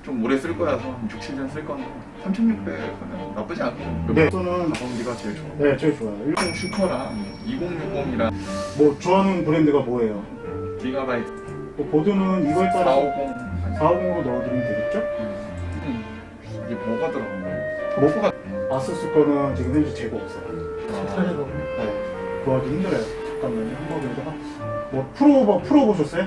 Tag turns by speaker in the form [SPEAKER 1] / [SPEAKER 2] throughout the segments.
[SPEAKER 1] 좀 오래 쓸 거라서 6, 7년 쓸 건데 3600은 나쁘지 않고
[SPEAKER 2] 네. 저는
[SPEAKER 1] 가성비가 제일 좋아.
[SPEAKER 2] 네, 제일 좋아요.
[SPEAKER 1] 10 슈퍼랑 2060이랑
[SPEAKER 2] 뭐 좋아하는 브랜드가 뭐예요?
[SPEAKER 1] 기가바이트
[SPEAKER 2] 또 보드는 이거에 따라
[SPEAKER 1] 450
[SPEAKER 2] 450으로 넣어드리면 되겠죠?
[SPEAKER 1] 이게 뭐가 들어간 거예요?
[SPEAKER 2] 뭐가 아수스 거는 지금 현재 재고 없어요.
[SPEAKER 3] 사례가
[SPEAKER 2] 네, 구하기 힘들어요. 잠깐만요. 한번 여기다가 뭐 프로 보셨어요?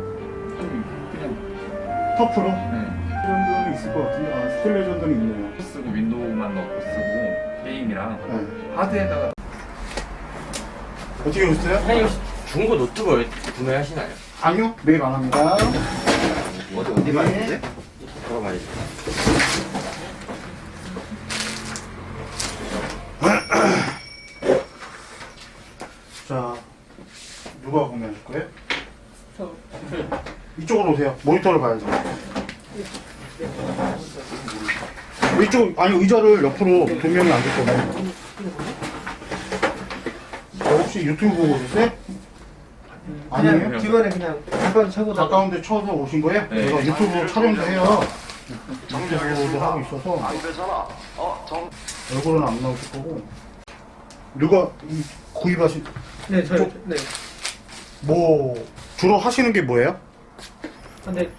[SPEAKER 1] 그냥
[SPEAKER 2] 터 프로?
[SPEAKER 1] 네.
[SPEAKER 2] 레전드는 있을 것 같은데 아 스틸 레전드는 있네요.
[SPEAKER 1] 쓰고 윈도우만 넣고 쓰고 게임이랑
[SPEAKER 2] 네.
[SPEAKER 1] 하드에다가
[SPEAKER 2] 어떻게 오셨어요?
[SPEAKER 4] 사장님 중고 노트북을 구매하시나요?
[SPEAKER 2] 아니요, 매일 안 합니다.
[SPEAKER 4] 어디 봤는데? 들어봐야지.
[SPEAKER 2] 자, 누가 구매하실 거예요?
[SPEAKER 3] 저
[SPEAKER 2] 이쪽으로 오세요. 모니터를 봐야죠. 이쪽 아니 의자를 옆으로 두 명이 앉을 거면 혹시 유튜브 보고 오셨어요? 아니에요?
[SPEAKER 3] 그냥 주변에 그냥 잠깐 차고
[SPEAKER 2] 가까운데 쳐서 오신 거예요?
[SPEAKER 1] 네.
[SPEAKER 2] 제가 유튜브 촬영도 해요. 유튜브도 하고 있어서 얼굴은 안 나오실 거고. 누가 구입하신
[SPEAKER 3] 네, 저요. 네.
[SPEAKER 2] 뭐 주로 하시는 게 뭐예요?
[SPEAKER 3] 근데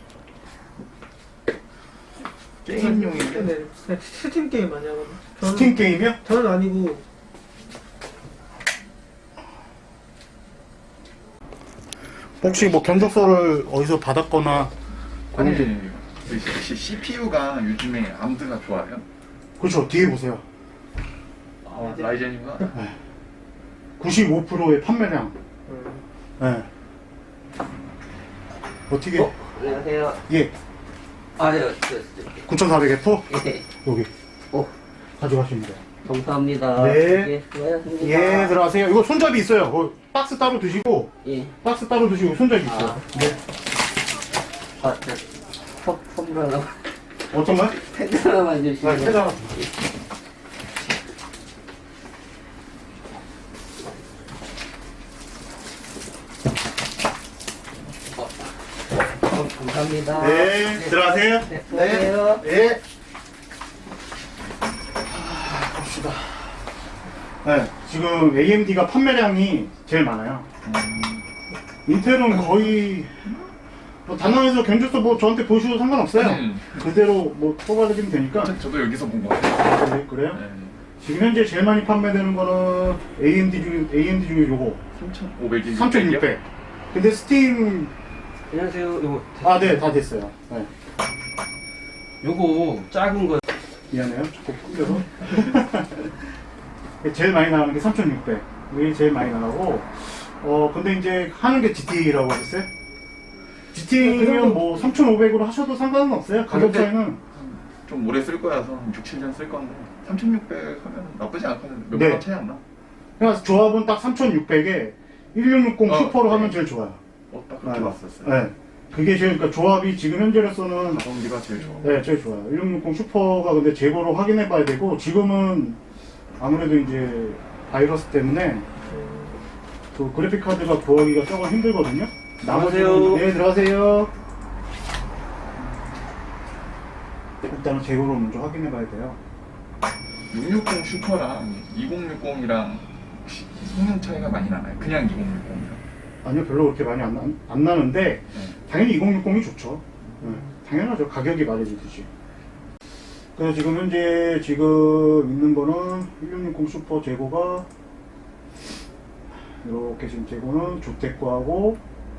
[SPEAKER 1] 게임용인데
[SPEAKER 3] 네, 그냥 스팀 게임 많이 하거든요.
[SPEAKER 2] 스팀 게임이요?
[SPEAKER 3] 저는 아니고
[SPEAKER 2] 혹시 뭐 견적서를 어디서 받았거나
[SPEAKER 1] 아니
[SPEAKER 2] 그런
[SPEAKER 1] CPU가 요즘에 암드가 좋아요.
[SPEAKER 2] 그렇죠. 뒤에 보세요.
[SPEAKER 1] 라이젠인가?
[SPEAKER 2] 95%의 판매량. 네. 어떻게?
[SPEAKER 4] 안녕하세요.
[SPEAKER 2] 예.
[SPEAKER 4] 아, 네,
[SPEAKER 2] 9,400F?
[SPEAKER 4] 예.
[SPEAKER 2] 여기
[SPEAKER 4] 오,
[SPEAKER 2] 가져가시면 돼요.
[SPEAKER 4] 감사합니다.
[SPEAKER 2] 네.
[SPEAKER 4] 예, 수고하셨습니다.
[SPEAKER 2] 예, 들어가세요. 이거 손잡이 있어요. 박스 따로 드시고,
[SPEAKER 4] 예.
[SPEAKER 2] 박스 따로 드시고 손잡이 있어요.
[SPEAKER 4] 아.
[SPEAKER 2] 네.
[SPEAKER 4] 아, 선물 하나,
[SPEAKER 2] 어떤 거요?
[SPEAKER 4] 펜 하나만 주시면.
[SPEAKER 2] 네, 회장.
[SPEAKER 4] 감사합니다.
[SPEAKER 2] 네, 들어가세요.
[SPEAKER 4] 네, 수고하세요.
[SPEAKER 2] 네. 봅시다. 네, 지금 AMD가 판매량이 제일 많아요. 인텔은 거의 뭐 단항에서 견적서 뭐 저한테 보셔도 상관없어요. 그대로 뭐 뽑아드리면 되니까.
[SPEAKER 1] 저도 여기서 본 거 같아요.
[SPEAKER 2] 네, 그래요?
[SPEAKER 1] 네.
[SPEAKER 2] 지금 현재 제일 많이 판매되는 거는 AMD 중에 요거
[SPEAKER 1] 3,500이
[SPEAKER 2] 3600. 근데 스팀
[SPEAKER 4] 안녕하세요. 요거,
[SPEAKER 2] 네, 다 됐어요. 네.
[SPEAKER 4] 요거 작은 거.
[SPEAKER 2] 미안해요. 자꾸 끊겨서. 제일 많이 나가는 게 3600. 이게 제일 많이 나가고, 근데 이제 하는 게 GTA라고 하셨어요? GTA면 뭐 3500으로 하셔도 상관은 없어요. 가격 차이는.
[SPEAKER 1] 좀 오래 쓸 거라서 6, 7년 쓸 건데 3600 하면 나쁘지 않거든요.
[SPEAKER 2] 네.
[SPEAKER 1] 몇만 원 차이 안 나?
[SPEAKER 2] 그냥 조합은 딱 3600에 1660 슈퍼로
[SPEAKER 1] 네.
[SPEAKER 2] 하면 제일 좋아요.
[SPEAKER 1] 딱 그렇게 봤었어요.
[SPEAKER 2] 네. 그게 제일, 그러니까 조합이 지금 현재로서는
[SPEAKER 1] 가성비가 제일 좋아.
[SPEAKER 2] 네, 제일 좋아요. 1660 슈퍼가 근데 재고로 확인해 봐야 되고, 지금은 아무래도 이제 바이러스 때문에 그 그래픽 카드가 구하기가 조금 힘들거든요.
[SPEAKER 4] 들어가세요.
[SPEAKER 2] 네, 들어가세요. 일단은 재고를 먼저 확인해 봐야 돼요.
[SPEAKER 1] 660 슈퍼랑 2060이랑 성능 차이가 많이 나나요? 그냥 2060이랑.
[SPEAKER 2] 아니요, 별로 그렇게 많이 안 나는데, 당연히 2060이 좋죠. 네, 당연하죠. 가격이 말해주듯이. 그래서 지금 현재 있는 거는 1660 슈퍼 재고가 이렇게 지금 재고는 주택과하고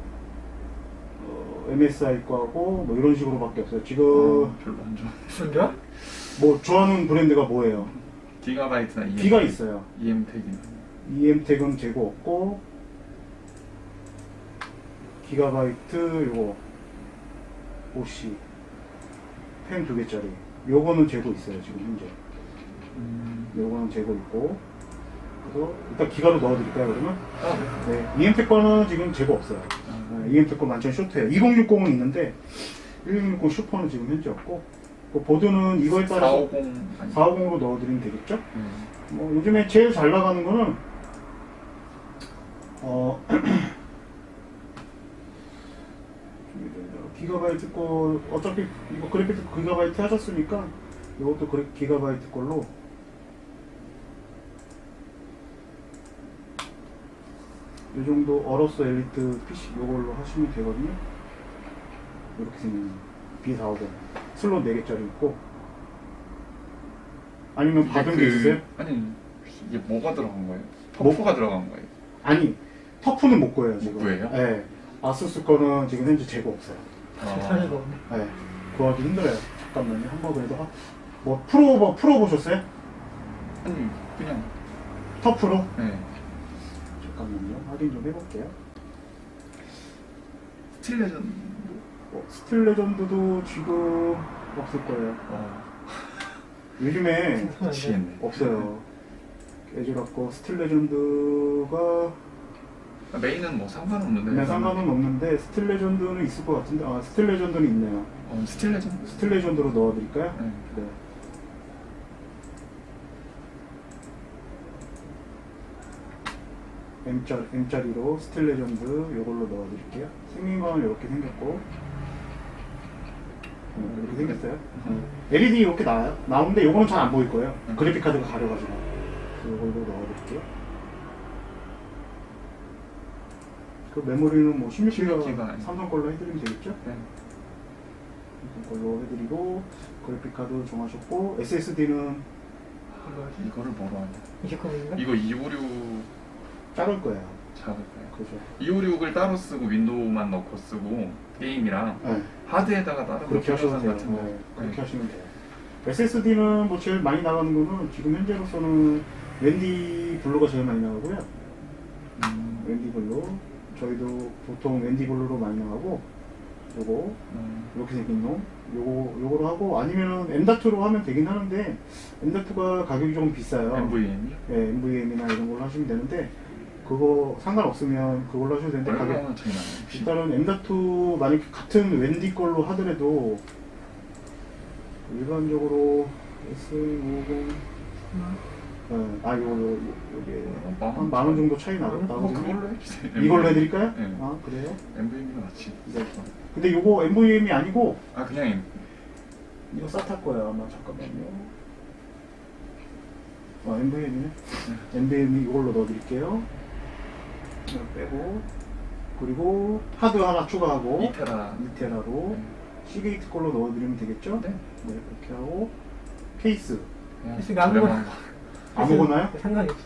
[SPEAKER 2] MSI과하고 뭐 이런 식으로밖에 없어요. 지금
[SPEAKER 1] 별로 안 좋아.
[SPEAKER 3] 진짜?
[SPEAKER 2] 뭐 좋아하는 브랜드가 뭐예요?
[SPEAKER 1] 기가바이트나
[SPEAKER 2] B가 있어요.
[SPEAKER 1] EM택이나.
[SPEAKER 2] EM택은 재고 없고, 기가바이트 요거 OC 펜 2개짜리 요거는 재고 있어요. 지금 현재 요거는 재고 있고, 그래서 일단 기가로 넣어드릴까요 그러면? 네, EM택 거는 지금 재고 없어요. EM택 거 완전 쇼트예요. 2060은 있는데 1660 슈퍼는 지금 현재 없고, 그 보드는 이거에 따라서
[SPEAKER 1] 450
[SPEAKER 2] 450으로 넣어드리면 되겠죠? 뭐 요즘에 제일 잘 나가는 거는 기가바이트 거 어차피 이거 그래픽도 기가바이트 하셨으니까 이것도 기가바이트 걸로 이 정도 어로스 엘리트 PC 이걸로 하시면 되거든요. 이렇게 생긴 B450 슬롯 4개짜리 있고 아니면 받은 게 있으세요?
[SPEAKER 1] 아니 이게 뭐가 들어간 거예요?
[SPEAKER 2] 뭐?
[SPEAKER 1] 터프가 들어간 거예요?
[SPEAKER 2] 아니 터프는 못 구해요 지금.
[SPEAKER 1] 못 구해요?
[SPEAKER 2] 네. 아수스 거는 지금 현재 재고 없어요.
[SPEAKER 3] 차이가 없네.
[SPEAKER 2] 네. 구하기 힘들어요. 잠깐만요. 한번 그래도 뭐 프로 보셨어요?
[SPEAKER 1] 아니 그냥
[SPEAKER 2] 터프로?
[SPEAKER 1] 네.
[SPEAKER 2] 잠깐만요. 확인 좀 해볼게요.
[SPEAKER 1] 스틸 레전드
[SPEAKER 2] 스틸 레전드도 지금 없을 거예요. 요즘에
[SPEAKER 1] 미치겠네.
[SPEAKER 2] 없어요. 깨지갖고 스틸 레전드가
[SPEAKER 1] 메인은 뭐 상관없는데.
[SPEAKER 2] 그냥 상관은 없는데 스틸 레전드는 있을 것 같은데 아 스틸 레전드는 있네요.
[SPEAKER 1] 스틸 레전드.
[SPEAKER 2] 스틸 레전드로 넣어드릴까요?
[SPEAKER 1] 네.
[SPEAKER 2] 네. M짜리로 스틸 레전드 요걸로 넣어드릴게요. 생긴 건 이렇게 생겼고 이렇게 생겼어요. LED 이렇게 나오는데 요거는 잘 안 보일 거예요. 그래픽 카드가 가려가지고 요걸로 넣어드릴게요. 그 메모리는 뭐 16기가
[SPEAKER 1] 16기가
[SPEAKER 2] 삼성 걸로 해드리면 되겠죠?
[SPEAKER 1] 네.
[SPEAKER 2] 삼성 걸로 해드리고 그래픽 카드 정하셨고 SSD는
[SPEAKER 1] 이거를 뭐로 하냐?
[SPEAKER 3] 이게 거인가?
[SPEAKER 1] 이거 256
[SPEAKER 2] 작을 거예요.
[SPEAKER 1] 작을 거예요.
[SPEAKER 2] 그죠?
[SPEAKER 1] 256을 따로 쓰고 윈도우만 넣고 쓰고 게임이랑
[SPEAKER 2] 네.
[SPEAKER 1] 하드에다가 다른
[SPEAKER 2] 그렇게 하셔도
[SPEAKER 1] 표준선
[SPEAKER 2] 돼요.
[SPEAKER 1] 같은 거.
[SPEAKER 2] 네, 그렇게
[SPEAKER 1] 네.
[SPEAKER 2] 하시면 돼요. SSD는 뭐 제일 많이 나가는 거는 지금 현재로서는 웬디 블루가 제일 많이 나가고요. 웬디 블루. 저희도 보통 웬디 블루로 많이 나가고 요거 이렇게 생긴 놈 요거로 하고 아니면은 M.2로 하면 되긴 하는데 M.2가 가격이 조금 비싸요.
[SPEAKER 1] NVM이
[SPEAKER 2] 네, NVMe나 이런 걸로 하시면 되는데 그거 상관없으면 그걸로 하셔도 되는데 가격
[SPEAKER 1] 얼마나 차이 나요?
[SPEAKER 2] 일단은 M.2 만약에 같은 웬디 걸로 하더라도 일반적으로 S50 요게 한 만 원 정도 차이 나거든요.
[SPEAKER 1] 그걸로 해주세요.
[SPEAKER 2] 이걸로 해드릴까요?
[SPEAKER 1] 네.
[SPEAKER 2] 아 그래요?
[SPEAKER 1] NVM이가 낫지.
[SPEAKER 2] 네. 근데 요거 NVMe 아니고
[SPEAKER 1] 그냥
[SPEAKER 2] 이거 싹탈 거예요 아마. 잠깐만요. NVMe네. NVMe 이걸로 넣어드릴게요. 이거 빼고 그리고 하드 하나 추가하고 2테라로 시게이트 걸로 넣어드리면 되겠죠?
[SPEAKER 1] 네.
[SPEAKER 2] 네, 그렇게 하고 케이스
[SPEAKER 3] 케이스가 아무거나.
[SPEAKER 2] 아무거나요?
[SPEAKER 3] 상관이 없어.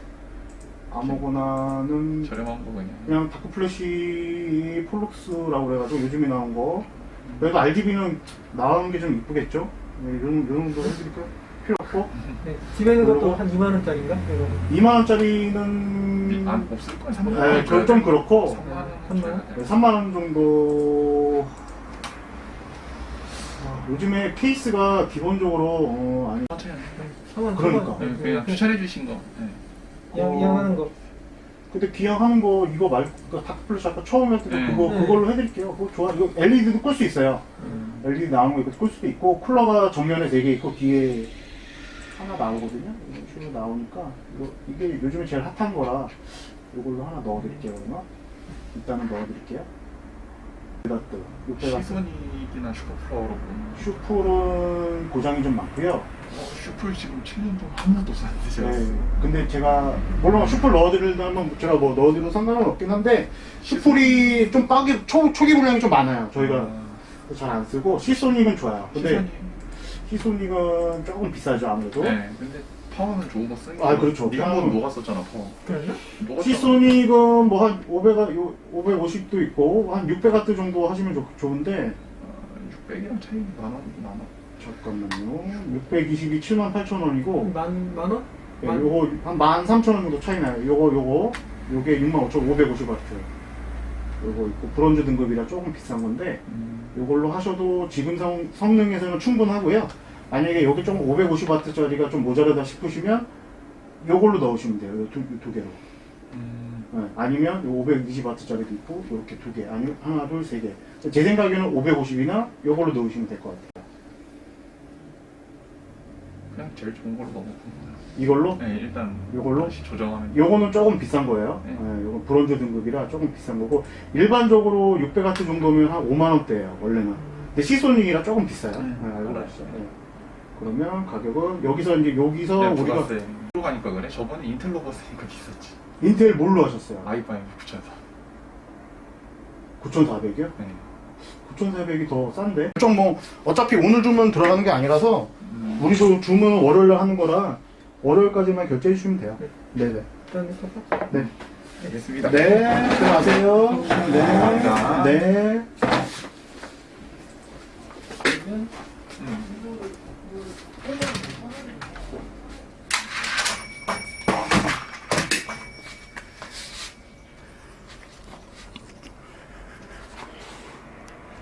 [SPEAKER 2] 아무거나는
[SPEAKER 1] 저렴한 거
[SPEAKER 2] 그냥 다크 플래시 폴룩스라고 그래가지고 요즘에 나온 거. 그래도 RGB는 나오는 게 좀 이쁘겠죠? 네, 이런 정도 해드릴까요? 필요 없고.
[SPEAKER 3] 네. 집에 있는 것도
[SPEAKER 2] 그리고
[SPEAKER 3] 한 2만 원짜리인가? 이거.
[SPEAKER 2] 2만 원짜리는
[SPEAKER 1] 없을 거야. 3만
[SPEAKER 2] 네, 좀 그렇고
[SPEAKER 1] 3만 원.
[SPEAKER 2] 네, 3만 원 정도. 요즘에 케이스가 기본적으로 아니
[SPEAKER 1] 천천히 하세요.
[SPEAKER 3] 3만
[SPEAKER 2] 그러니까.
[SPEAKER 1] 네, 그냥 추천해 주신 거. 네.
[SPEAKER 3] 이왕하는 거.
[SPEAKER 2] 근데 기왕하는 거 이거 말고 다크 플래시 아까 처음에 했던
[SPEAKER 1] 네.
[SPEAKER 2] 그걸로 해드릴게요. 그거 좋아. 이거 LED도 끌 수 있어요. LED 나오는 거 이거 끌 수도 있고 쿨러가 정면에 4개 있고 뒤에 하나 나오거든요. 이런 식으로 나오니까 이게 요즘에 제일 핫한 거라 이걸로 하나 넣어드릴게요. 그러면 일단은 넣어드릴게요. 베다트,
[SPEAKER 1] 시소닉이나 슈퍼플라워로 보면
[SPEAKER 2] 슈플은 고장이 좀 많고요.
[SPEAKER 1] 슈플 지금 7년 동안 한 번도 안 드세요.
[SPEAKER 2] 네. 근데 제가 물론 슈플 넣어드린다면 제가 뭐 넣어드려도 상관은 없긴 한데 슈플이 좀 초기 분량이 좀 많아요. 저희가 잘 안 쓰고 시소닉은 좋아요. 근데 시소닉은 조금 비싸죠 아무래도.
[SPEAKER 1] 네, 근데 파워는 좋은 거 쓰는
[SPEAKER 2] 아, 그렇죠.
[SPEAKER 1] 네가
[SPEAKER 2] 파워는-
[SPEAKER 1] 한번 녹았었잖아 파워.
[SPEAKER 3] 그랬나?
[SPEAKER 1] 녹았잖아.
[SPEAKER 2] 시소닉은 뭐 한 550도 있고 한 600W 정도 하시면 좋은데
[SPEAKER 1] 600이랑 차이 많아.
[SPEAKER 2] 잠깐만요. 620이 78,000원이고
[SPEAKER 3] 만 원?
[SPEAKER 2] 네, 요거 한 13,000원 정도 차이 나요. 요게 65,550W. 요거 있고 브론즈 등급이라 조금 비싼 건데 요걸로 하셔도 지금 성능에서는 충분하고요. 만약에 여기 좀 550W짜리가 좀 모자라다 싶으시면 요걸로 넣으시면 돼요. 요 두 개로. 네, 아니면 요 520W짜리도 있고 이렇게 두 개. 아니면 하나, 둘, 세 개. 제 생각에는 550이나 요걸로 넣으시면 될 것 같아요.
[SPEAKER 1] 그냥 제일 좋은 걸로 넣어놓고.
[SPEAKER 2] 이걸로?
[SPEAKER 1] 네, 일단
[SPEAKER 2] 요걸로?
[SPEAKER 1] 다시 조정하면.
[SPEAKER 2] 요거는 조금 비싼 거예요.
[SPEAKER 1] 네.
[SPEAKER 2] 네, 요건 브론즈 등급이라 조금 비싼 거고 일반적으로 600W 정도면 한 5만 원대예요. 원래는. 근데 시소닉이라 조금 비싸요.
[SPEAKER 1] 네,
[SPEAKER 2] 알고
[SPEAKER 1] 알아요.
[SPEAKER 2] 계시죠? 네. 그러면 가격은 여기서 우리가
[SPEAKER 1] 우리가 로 가니까 그래. 저번에 인텔로 봤으니까 비쌌지.
[SPEAKER 2] 인텔 뭘로 하셨어요?
[SPEAKER 1] i5 9004.
[SPEAKER 2] 9,400이요?
[SPEAKER 1] 네.
[SPEAKER 2] 9,400이 더 싼데? 좀 뭐 어차피 오늘 주문 들어가는 게 아니라서 우리도 주문은 월요일날 하는 거라 월요일까지만 결제해 주시면 돼요. 네네.
[SPEAKER 3] 일단 이거
[SPEAKER 2] 네.
[SPEAKER 1] 알겠습니다.
[SPEAKER 2] 네. 들어가세요. 네.
[SPEAKER 1] 감사합니다.
[SPEAKER 2] 네.
[SPEAKER 3] 그러면